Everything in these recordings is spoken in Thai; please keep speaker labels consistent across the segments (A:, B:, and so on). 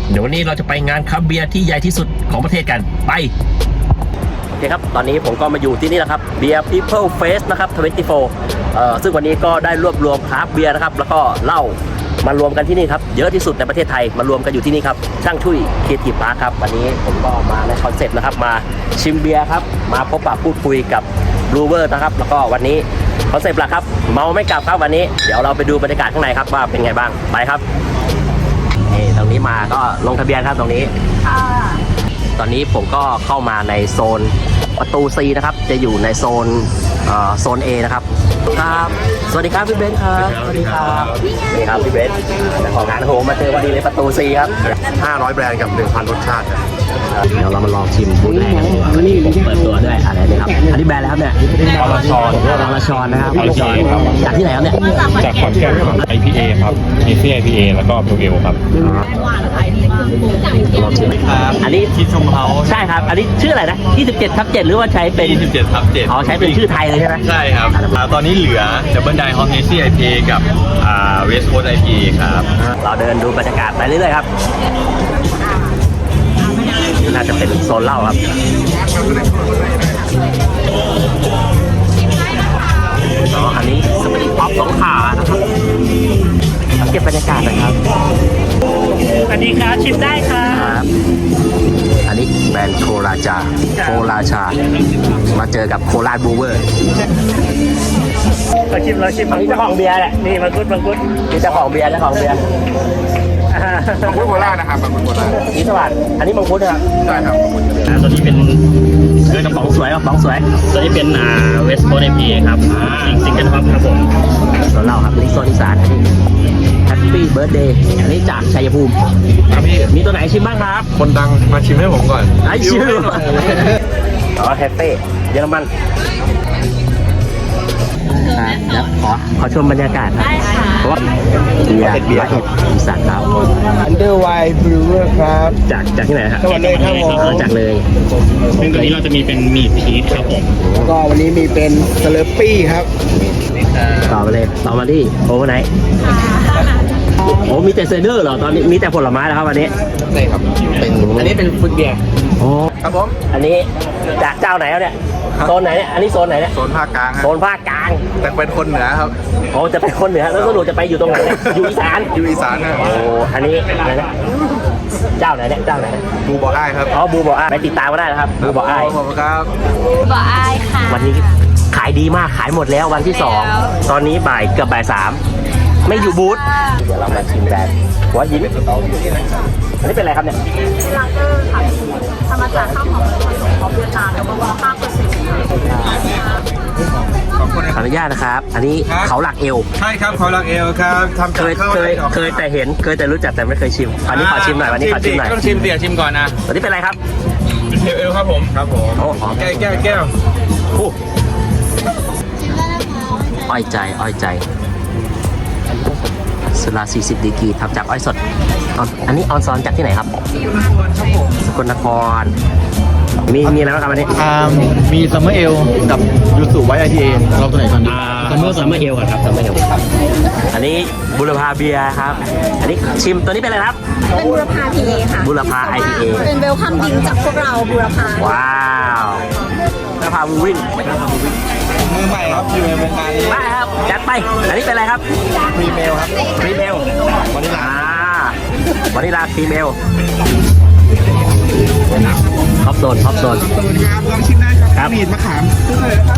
A: เดี๋ยววันนี้เราจะไปงานคราฟต์เบียร์ที่ใหญ่ที่สุดของประเทศกันไปโอเคครับตอนนี้ผมก็มาอยู่ที่นี่แล้วครับ Beer People Fest นะครับ24ซึ่งวันนี้ก็ได้รวบรวมคราฟต์เบียร์นะครับแล้วก็เหล้ามารวมกันที่นี่ครับเยอะที่สุดในประเทศไทยมารวมกันอยู่ที่นี่ครับช่างชุยครีเอทีฟพาร์คครับวันนี้ผมก็มาในคอนเซ็ปต์นะครับมาชิมเบียร์ครับมาพบปะพูดคุยกับบรูเวอร์นะครับแล้วก็วันนี้คอนเซ็ปต์หลักครับเมาไม่กลับครับวันนี้เดี๋ยวเราไปดูบรรยากาศข้างในครับว่าเป็นไงบ้างไปครับนี่ตรงนี้มาก็ลงทะเบียนครับตรงนี้ตอนนี้ผมก็เข้ามาในโซนประตู C นะครับจะอยู่ในโซน A นะครับครับสวัสดีครับพี่เบนซ์ครับสวัสดีครับนี่ครับพี่เบนซ์เจ้าของร้านโฮมมาเจอวันนี้ในประตู C ครับ
B: 500 แบรนด์กับ 1,000 รสชาติครับ
A: เดี๋ยวเรามาลองชิมบูธแรกกันดีกว่าวันนี้ผมเปิดตัวด้วยอะไรนี่ครับอันนี้แบรนด์อะไรครับเนี่ย
B: อรชร
A: นะครับอรชรจากที่ไหนครับเนี่ย
C: จากขอนแก่นครับ IPA ครับ IPA แล้วก็Pale Ale ครับ
A: ลองชิมอันนี้
C: คิดชมเฮา
A: ใช่ครับอันนี้ชื่ออะไรนะ27/7หรือว่าใช้เป็น
C: 27/7
A: อ๋อใช้เป็นชื่อไทยเลยใช่ไหม
C: ใช่ครับตอนนี้เหลือ Double Die Hop Hazy IPA กับWest Coast IPA ครับ
A: เราเดินดูบรรยากาศไปเรื่อยๆครับน่าจะเป็นโซนเหล้าครับอันนี้สปริงป๊อปสองขานะครับเก็บบรรยากาศหน่อยครับ
D: สวัสดีครับชิมได้ครับ
A: อันนี้แบรนด์โคราชามาเจอกับโคราชบูเวอร์
D: เราชิม
A: อันนี้เจ้าของเบียร์แหละ
D: นี่มังคุด
A: นี่เจ้าของเบียร์
B: มังคุดโคราชนะครับมังคุดโคราช
A: นี่สวัสดิ์อันนี้มังคุดนะครับ
B: ใช่ครับ
A: ตัวนี้เป็นกระป๋องสวยตัวนี้เป็นเวสต์โคสต์ IPA ครับซิงเกิลท็อปครับผมส่วนเราครับนี่โซนอีสานอันนี้แฮปปี้เบิร์ธเดย์อันนี้จากชัยภูมิ
B: ครับพี่
A: มีตัวไหนชิมบ้างครับ
B: คนดังมาชิมให้ผมก่อน
A: ไอชิมแฮปปี้เยอรมันครับขอชมบรรยากาศครับเพราะว่าเบียร์อีสานครับ
B: Underwine Brewer ครับ
A: จากที่ไหนครับ
B: เลยครับผม
A: จากเลย
C: ซึ่งตัวนี้เราจะมีเป็นมีดพีชครับผม
B: ก็วันนี้มีเป็นสเลปปี้ครับ
A: ต่อมาเลยต่อมาที่โอเวอร์ไนท์โอ้มีแต่เซเดอร์เหรอตอนนี้มีแต่ผลไม้แล้วครับวันนี้
B: ใช่ครับ
A: อันนี้เป็นฟุตเบียร์โอ้
B: ครับผม
A: อันนี้จากเจ้าไหนเนี่ยโซนไหนเนี่ยอันนี้โซนไหนเนี่ย
B: โซนภาคกลาง
A: โซนภาคกลาง
B: แต่เป็นคนเหนือครับ
A: โอ้จะเป็นคนเหนือแล้วสรุปจะไปอยู่ตรงไหนอยู่อีสาน
B: นะ
A: โอ้อันนี้อะไรนะเจ้าไหนเนี่ยเจ้าไหน
B: บูบออ้ายครับ
A: อ๋อบูบออ้ายไปติดตามก็ได้นะครับบูบออ้าย
B: ขอบคุณครับ
E: บูบออ้ายค่ะ
A: วันนี้ขายดีมากขายหมดแล้ววันที่2ตอนนี้เกือบบ่าย3ไม่อยู่บูธเดี๋ยวเรามาชิมแบรนด์หัวหินอันนี้เป็นอะไรครับเนี่ย
E: ลาเกอร์ค่ะทำมาจากข้าวหอมของเวียดนามแล้วก็5%
A: ขออนุญาตนะครับอันนี้เขาหลักเอว
B: ใช่ครับเขาหลักเอวครับทำ
A: เคยแต่เห็นเคยแต่รู้จักแต่ไม่เคยชิมอันนี้ขอชิมหน่อยวันนี้ขอชิมหน่อย
B: ต้องชิมเดี๋ยวชิมก่อนนะ
A: วันนี้เป็นอะไรครับ
B: เป็นเอลครับผม
A: โอ้หอม
B: แก้ว
A: อ้อยใจสุรา40 ดีกรีทำจากอ้อยสดอันนี้ออนซอนจากที่ไหนครับสกลนครมีอะไรบ้างครับอันนี้
B: มีซัมเมอร์เอลกับยูสุไวท์ IPA เราตัวไหนก่อนดี
A: ซัมเมอร์เอลครับซัมเมอร์เอลอันนี้บุรพาเบียร์ครับอันนี้ชิมตัวนี้เป็นอะไรครับ
E: เป็นบุรพา PA ค่ะ
A: บุรพา IPA
E: เป็นเวลคัมดิงจากพวกเราบุรพา
A: ว้าวบุรพาวูวิ่ง
B: มือใหม่ครับอยู่ในวงการนี้
A: ได้ครับจัดไปอันนี้เป็นอะไรครับ
B: พรีเมลครับ
A: พรีเมลวานิลาพรีเมลท็อปโซน
B: ลองชิมได้ครับมีดมะขามซื้อเลยนะครับ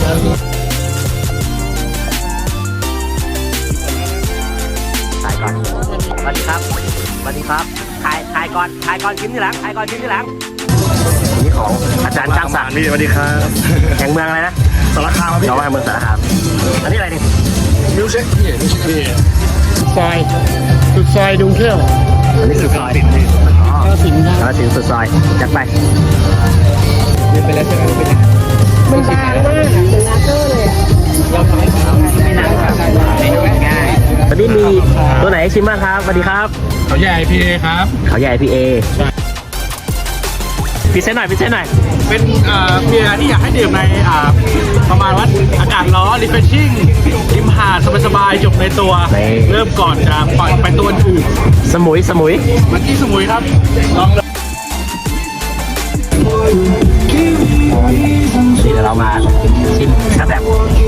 A: ถ่ายก่อนสวัสดีครับถ่ายก่อนชิมทีหลังนี่ของอาจารย์ช่างศักดิ์
B: สวัสดีครับ
A: แห่งเมืองอะไรนะ
B: สารคาม
A: น้องแห่งเมืองสารคามอันนี้อะไรนี่
B: มิวเช็ค
D: สุดซอยดุงเที่ยว
A: อันนี้สุดซอย
D: สิน
A: สุดซอยจัดไป
B: ไปแล้วใช่ไหม
E: มันบางมากเป็นลาเกอร์เลย
D: เราทำให้ไม่หนักง่าย
A: ตอนนี้มีตัวไหนชิมบ้างครับสวัสดีครับ
C: เขาใหญ่ IPA ครับ
A: เขาใหญ่ IPA พิเศษหน่อยพิเศษหน่อย
B: เป็นเบียร์ที่อยากให้ดื่มในประมาณว่าอากาศร้อน refreshing ริมหาดสบายๆจบในตัว เริ่มก่อนจะปล่อยไปตัวอื่น
A: สมุยสมุย
B: เมื่อกี้สมุยครับลองเลย
A: นี่เดี๋ยวเรามาชิมครับแบบ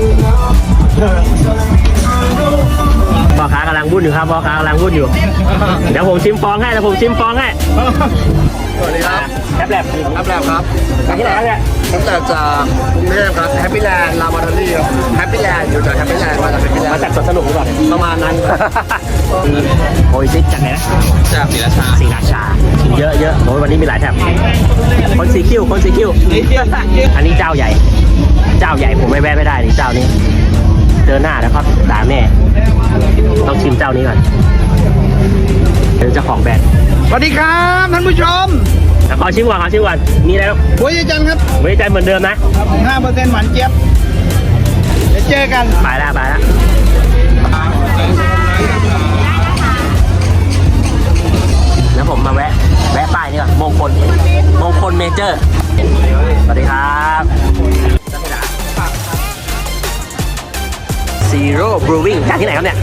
A: พ่อค้ากำลังวุ่นอยู่ครับพ่อค้ากำลังวุ่นอยู่ เดี๋ยวผมชิมฟองให้เดี๋ยวผมชิมฟองให้
B: สวัสดีครับ
A: แคปแลบ
B: ครับแล้วครับ
A: จากที่ไหนครับเนี่ย
B: ตั้งแต่จากกรุงเทพครับแฮปปี้แลนด์ลามาดอรี่ครับแฮปปี้แลนด์อยู่จากแฮปปี้แลนด์มาจากแฮปปี้แลน
A: มา
B: ด์
A: จากสวนสนุกหรือเปล่า
B: ประมาณนั้น
A: โอ้ยซิจากไหนนะ
C: จากศรีราชา
A: ศรีราชาเยอะเยอะโอ้ยวันนี้มีหลายแถบคนสีคิ้วคนสีคิ้วอันนี้เจ้าใหญ่ เจ้าใหญ่ผมไม่แวะไม่ได้นี่เจ้านี้ เจอหน้าแล้วครับด่าแน่ต้องชิมเจ้านี้ก่อนเป็นเจ้าของแบรนด์
B: สวัสดีครับท่านผู้ชม
A: ขอชิมก่อนขอชิมก่อนมีอะไรบ้าง
B: หัวใจจันทร์ครับ
A: ไว้ใจเหมือนเดิมนะ
B: 5%หวานเจี๊ยบเดี๋ยวเจอกัน
A: ไปแล้วไปแล้วแล้วผมมาแวะป้ายนี่ก่อนมงคลเมเจอร์สวัสดีครับซีโร่บรูวิ่งจากที่ไหนครับเนี่ย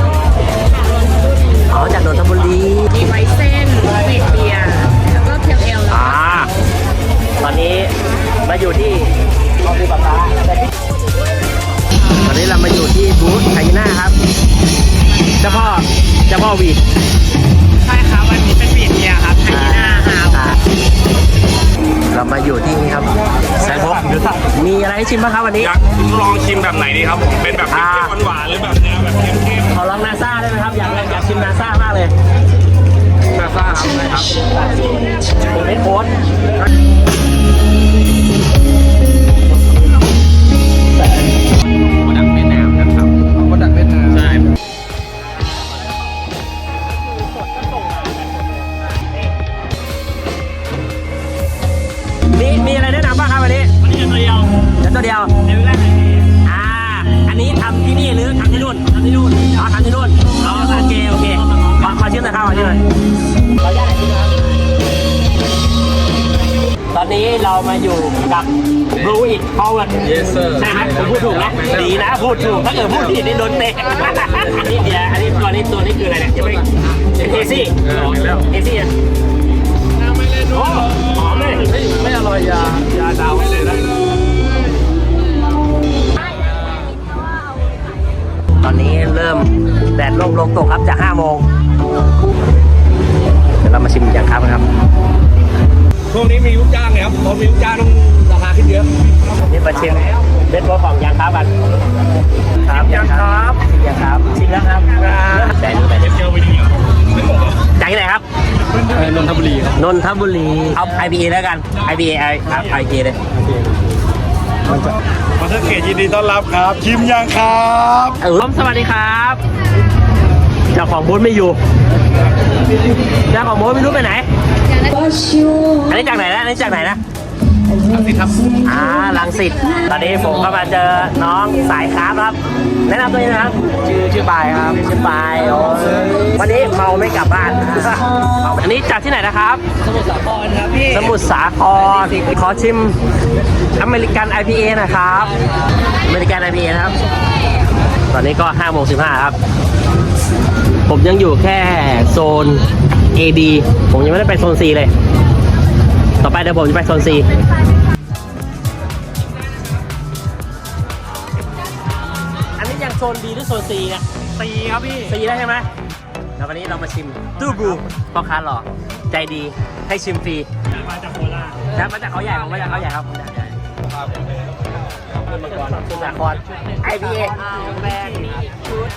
A: อ๋อจากนนทบุรี
E: มีไวเส้นวีดเบียร์แล้วก็เคียวเอลแล้ว
A: ตอนนี้มาอยู่ที่ตอนนี้เรามาอยู่ที่บูธไทน่าครับเจ้าพ่อวีด
D: ใช่ครับวันนี้เป็นวีดเบียร์ครับไทยหน้าฮาว
A: เรามาอยู่ที่นี่ครับแซนบ็อกมีอะไรให้ชิมบ้างครับวันนี้
C: อยากลองชิมแบบไหนดีครับผม เป็นแบบเค็มๆหวานๆหรือแบบแนวแบบเค็ม
A: ขอลองนาซ่าได้ไหมครับอยากชิมนาซ่ามากเลย
C: ๆนาซ่าครับได้ครับ
A: ผมไม่โค้ด
C: ดักเวียดนามนะครับ
B: มาจากเวียดนาม
C: ใช่
A: มีอะไรแนะนำบ้างครับวันนี้
D: วันนี้ตัวเดียว
A: เดี๋ยวตัวเดียว
D: ในเวลาไหน
A: อันนี้ทำที่นี่หรือทำที่นู่นทำที่นู่นทำที่นู่นอ๋อโอเคขอชิมหน่อยครับขอชิมหน่อยขออนุญาตชิมครับตอนนี้เรามาอยู่กับบรูอิทพาวเวอร์
C: Yes sir
A: ใช่ไหมผมพูดถูกนะดีนะพูดถูกถ้าเกิดพูดผิดนี่โดนเตะอันนี้เดี๋ยวอันนี้ตัวนี้คืออะไรเนี่ยยังไม่เอซี่เอซี่อ่ะโอ้หอมเลย
B: ไม่อร่อยยาดาวให้เลยนะ
A: ตอนนี้เริ่มแดดลงตกครับจาก5 โมงเดี๋ยวเรามาชิมอย่างครับนะครับ
C: ช่วงนี้มีลูกจ้างเลยครับพอมีลูกจ้างต้องราคาขึ้นเยอะ
A: นี่มาชิมเบสบอลของยางครับกันครับยางครับชิมแล้วครับแต่ดูแต่เดี๋ยว
C: เจอไปดีเหรอ
A: จากที่ไหนครับ
B: นนทบุรีครับ
A: นนทบุรีเอา IPA แล้วกัน IPA เลย
C: มาเทอร์เกตยินดีต้อนรับครับ ชิมยังครับ
A: สวัสดีครับเจ้าของบูธไม่อยู่เจ้าของบูธไม่รู้ไปไหนอันนี้จากไหนนะอันนี้จากไหนนะรังสิตครับรังสิตตอนนี้ผมก็มาเจอน้องสายคราฟครับแนะนำตัวเองนะครับชื่อปายครับชื่อปายวันนี้เมาไม่กลับบ้านอันนี้จากที่ไหนนะครับสมุทรสาครครับพี่สมุทรสาครขอชิมอเมริกัน IPA นะครับอเมริกัน IPA นะครับ ตอนนี้ก็5:15 ครับ ผมยังอยู่แค่โซน AB ผมยังไม่ได้ไปโซน C เลย ต่อไปเดี๋ยวผมจะไปโซน C อันนี้ยังโซน B หรือโซน C นะ
D: ตีครับพี่
A: C ได้ใช่ไหมแล้ววันนี้เรามาชิมตู้บลูพ่อค้าหล่อใจดีให้ชิมฟรี
D: มาจากโคราช
A: แล้วมาจากเขาใหญ่ผมมาจากเขาใหญ่ครับผมจากใหญ่สุสาคร IPA
E: แบรนด์นี้ชุด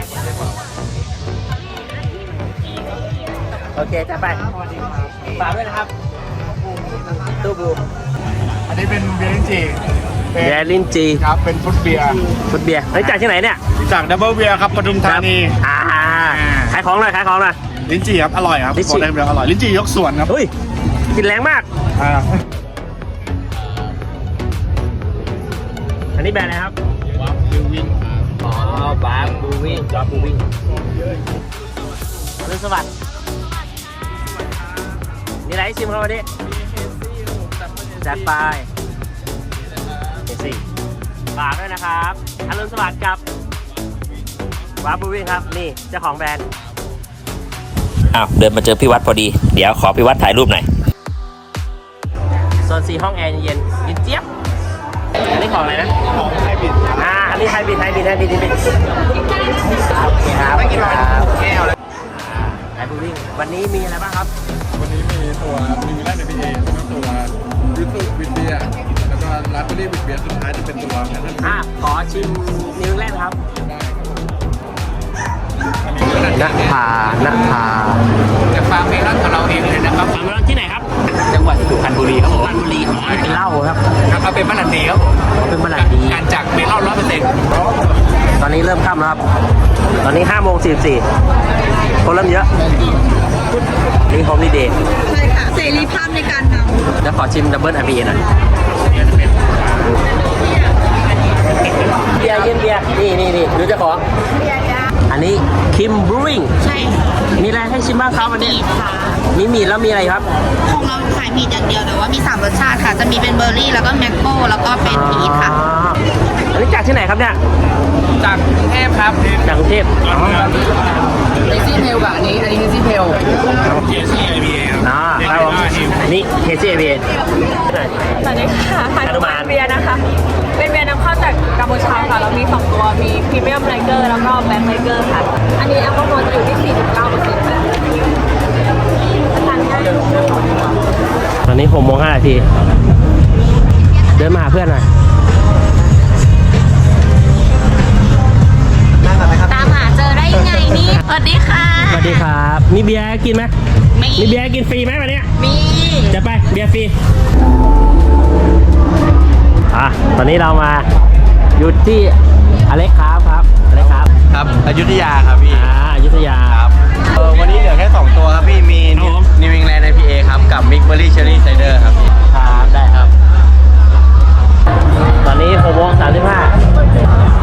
A: โอเคจะไปฝากด้วยนะครับตู้บลู
B: อันนี้เป็นเบียร์ลิ้นจี่
A: เบียร์ลิ้นจี
B: ครับ เป็นฟุตเบียร์
A: ฟุตเบียร์เฮ้ยจากที่ไหนเนี่ย
B: จากดับเบิลเบียร์ครับปทุมธานี
A: ขายของหน่อยขายของหน่อย
B: ลิ้นจี่ครับ อร่อยครับ
A: ลิ้นจี่
B: บอกได้เลยอร่อย ลิ้นจี่ยกส่วนครับ
A: เฮ้ยกลินแรงมาก อันนี้แบรนด์อะไรครับบัฟบูวิ่งอ๋อบัฟบูวิ่งจอบูวิ่งรุ่นสวัสดิ์นี่อะไรให้ชิมครับวันนี้จัดไปสิฝากด้วยนะครับอรุณสวัสดิ์กับวาบูวิ่งครับนี่เจ้าของแบรนด์อ้าวเดินมาเจอพี่วัดพอดีเดี๋ยวขอพี่วัดถ่ายรูปหน่อยโซน4ห้องแอร์เย็นเย็นเจี๊ยบอันนี้ของอะไรนะของไฮบริดอันนี้ไฮบริดโอเคครับไม่กินหรอกแก้วเลยไฮบริดวิ่งวันนี้มีอะไรบ้างครับ
B: วันนี้มีตัวนิวแลนด์ IPA แล้วก็ตัวยูสุวินเบียร์แล้วก็ราสเบอร์รี่วินเบียร์สุดท้ายจะเป็นตัวแพนนัท
A: ขอชิมนิวแลนด์ครับณภา
B: จากฟาร์มเมลอนของเราเองเลยนะครับ
A: ฟาร์มเมลอนที่ไหนครับ
B: จังหวัดสุพรรณบุรีครับผม
A: สุพรรณบุรีเป็นเหล้าครับ
B: ครับเอาเป็นมะลันดีครับ
A: เป็นมะลันดี
B: การจากเมลอน100%
A: ตอนนี้เริ่มค่ำแล้วครับตอนนี้5:44คนเริ่มเยอะนี่โฮมดีเดย์
E: ใช่ค่ะเสรีภาพในการนำ
A: แล้วขอชิมดับเบิลIPAหน่อยเบียร์เย็นเบียร์นี่ดูเจ้าของอันนี้คิมบรูวิง
E: ใช่ค่ะ
A: มีอะไรให้ชิมบ้างครับวันนี้มีมีดแล้วมีอะไรครับ
E: ของเราขายมีดอย่างเดียวแต่ว่ามี3รสชาติค่ะจะมีเป็นเบอร์รี่แล้วก็แมงโก้แล้วก็เป็นพีชค่ะ
A: อันนี้จากที่ไหนครับเนี่ย
B: จากกรุงเทพครับ
A: จากกรุงเทพ
B: เอซี่เพลกับอันนี้เอซี่เพล
A: ครับผมนี่เคซี่เอเบีย
F: สวัสดีค่ะฮานุมานเบียร์นะคะ เป็นเบียร์นำเข้าจากกัมพูชาค่ะ เรามี2ตัว มีพรีเมียมไลเกอร์แล้วก็แบล็คไลเกอร์ค่ะ อันนี้แอลกอฮอล์จะอยู่ที่ 49% ค่ะทานง่าย
A: ตอนนี้6:05 เดินมาหาเพื่อนหน่อย
E: ตามหาเจอได้ยังไงนี่สวัสดีค่ะ
A: สวัสดีครับ มีเบียร์กินไหม
E: มี
A: เบียร์กินฟรีไหมวันนี้
E: มี
A: จะไปเบียร์ฟรีตอนนี้เรามาอยู่ที่อเล็กครับอเล็กครับ
C: ครับอยุธยาครับพี่
A: อยุธยา
C: ครับวันนี้เหลือแค่ 2 ตัวครับพี่ มี
A: ครับผม
C: New England IPA ครับ กับ Mix Berry Cherry Cider ครับพี่
A: ครับได้ครับ ตอนนี้6:35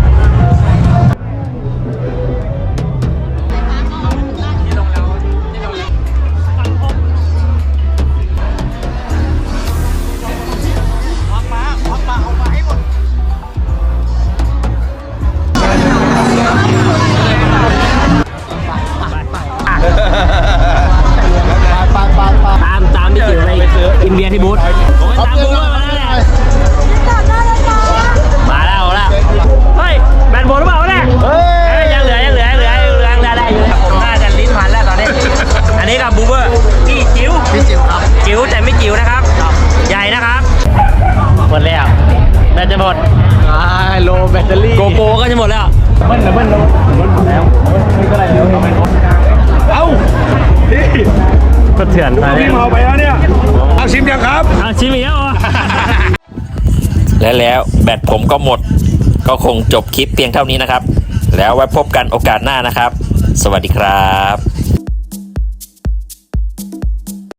A: ตามพี่จิ๋วไปกินเบียร์ที่บูธผมไปตามบูธมาแล้วแหละมาแล้วเฮ้ยแบนโบนหรือเปล่าวะเนี่ยยังเหลือได้อยู่ผมน่าจะลิ้นพันแล้วตอนนี้อันนี้กับบูเบอร์พี่จิ๋วครับจิ๋วแต่ไม่จิ๋วนะครับใหญ่นะครับหมดแล้วแบตจะหมด
C: โลแบตเตอรี่
A: โกโปรก็จะหมดแล้วเอ้าก็เถื่อนพี่เมาไปแล้วเนี่ยเอาชิมยังครับเอาชิมอีกแล้วแล้วแบตผมก็หมดก็คงจบคลิปเพียงเท่านี้นะครับแล้วไว้พบกันโอกาสหน้านะครับสวัสดีครับ